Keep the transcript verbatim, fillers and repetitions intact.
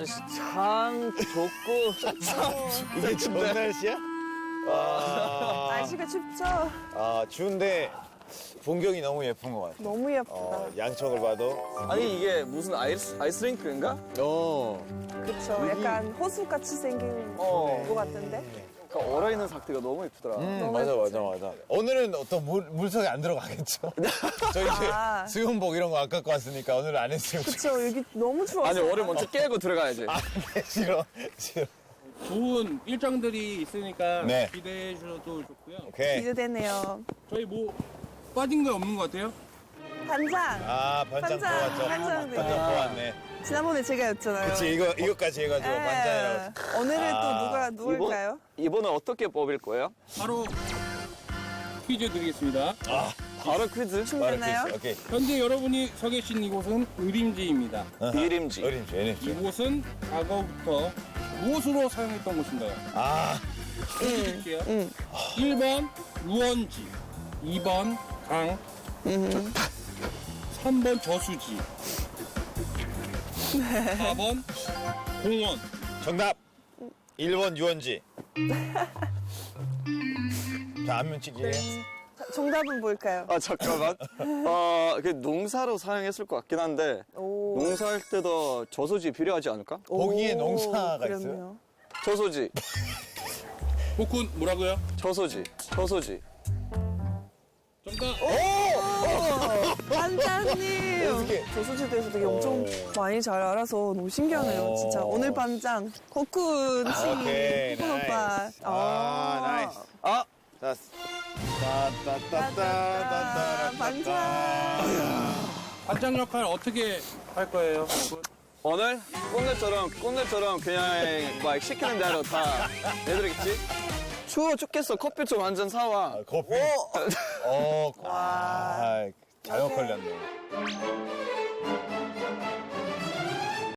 날씨 참 좋고. 이게 좋은 날씨야? 와. 날씨가 춥죠? 아, 추운데 풍경이 너무 예쁜 것 같아. 너무 예쁘다. 어, 양쪽을 봐도. 아니 이게 무슨 아이스 아이스링크인가? 어. 그쵸. 약간 호수같이 생긴 어. 것 같은데? 그 얼어 있는 상태가 너무 예쁘더라. 음, 너무 맞아, 예쁘지? 맞아, 맞아. 오늘은 어떤 물, 물속에 안 들어가겠죠? 저 이제 아. 수영복 이런 거 안 갖고 왔으니까 오늘은 안 했어요. 그쵸. 여기 너무 추워서. 아니 얼을 먼저 깨고 들어가야지. 아, 네, 싫어. 싫어. 좋은 일정들이 있으니까 네. 기대해 주셔도 좋고요. 오케이. 기대되네요. 저희 뭐 빠진 거 없는 것 같아요? 반장. 아, 반장 반장, 뽑았죠. 반장 반장 뽑았네. 지난번에 제가 였잖아요. 그치, 이거, 이거까지 해가지고 예. 반장이라고. 오늘은 아. 또 누가 누굴까요? 이번은 어떻게 뽑을 거예요? 바로 퀴즈 드리겠습니다. 바로 퀴즈. 말을 준비됐나요? 수 있어. 오케이. 현재 여러분이 서 계신 이곳은 의림지입니다. 비림지. 어림지, 어림지. 이곳은 과거부터 무엇으로 사용했던 곳인가요? 아, 드릴게요. 일 번 유원지, 이 번 강, 삼 번 저수지, 사 번 공원. 정답. 일 번 유원지. 자, 안면 찍기예요. 자, 정답은 뭘까요? 아 잠깐만. 어, 그 농사로 사용했을 것 같긴 한데 오. 농사할 때도 저수지 필요하지 않을까? 거기에 오, 농사가 그럼요. 있어요? 저수지, 복훈 뭐라고요? 저수지, 저수지. 정답. 반장님! 어떻게? 조수지 대해서 되게 엄청 많이 잘 알아서 너무 신기하네요, 오. 진짜. 오늘 반장, 코쿤 씨, 오케이, 코쿤 오빠. 나이스. 아, 나이스. 아, 자, 따따따따따따따. 반장. 반장 역할 어떻게 할 거예요? 복훈? 오늘 꼰대처럼 꼰대처럼 그냥 막 시키는 대로 다 해드리겠지? 추워 죽겠어. 커피 좀 한 잔 사와. 커피. 어, 와. 잘 걸렸네.